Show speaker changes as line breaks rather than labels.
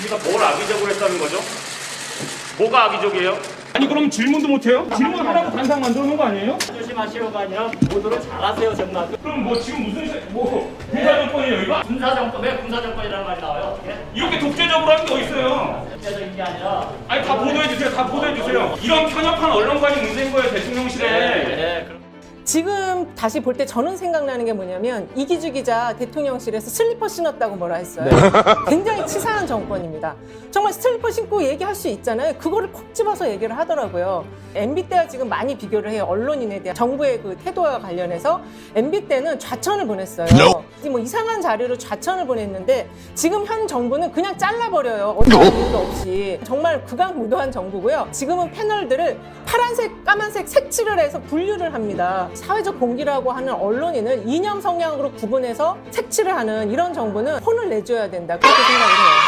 MBC가 뭘 악의적으로 했다는 거죠? 뭐가 악의적이에요? 아니 그럼 질문도 못해요? 질문하라고 단상 만들어 놓은 거 아니에요?
조심하시오가 아니라 보도를 잘하세요 정말.
그럼 뭐 지금 무슨 군사정권이에요 이거?
군사정권, 왜 군사정권이라는 말이 나와요? 어떻게?
이렇게 독재적으로 하는 게 어딨어요?
국제적인 게 아니라.
아니 다 보도해주세요. 다 보도해주세요. 이런 편협한 언론관이 문제인 거예요 대통령실에.
네, 그럼.
지금 다시 볼 때 저는 생각나는 게 뭐냐면 이기주 기자 대통령실에서 슬리퍼 신었다고 뭐라 했어요. 굉장히 치사한 정권입니다. 정말 슬리퍼 신고 얘기할 수 있잖아요. 그거를 콕 집어서 얘기를 하더라고요. MB 때와 지금 많이 비교를 해요. 언론인에 대한 정부의 그 태도와 관련해서 MB 때는 좌천을 보냈어요. 뭐 이상한 자료로 좌천을 보냈는데 지금 현 정부는 그냥 잘라버려요. 어떤 이유도 없이. 정말 극악무도한 정부고요. 지금은 패널들을 파란색, 까만색 색칠을 해서 분류를 합니다. 사회적 공기라고 하는 언론인을 이념 성향으로 구분해서 색칠을 하는 이런 정부는 혼을 내줘야 된다. 그렇게 생각을 해요.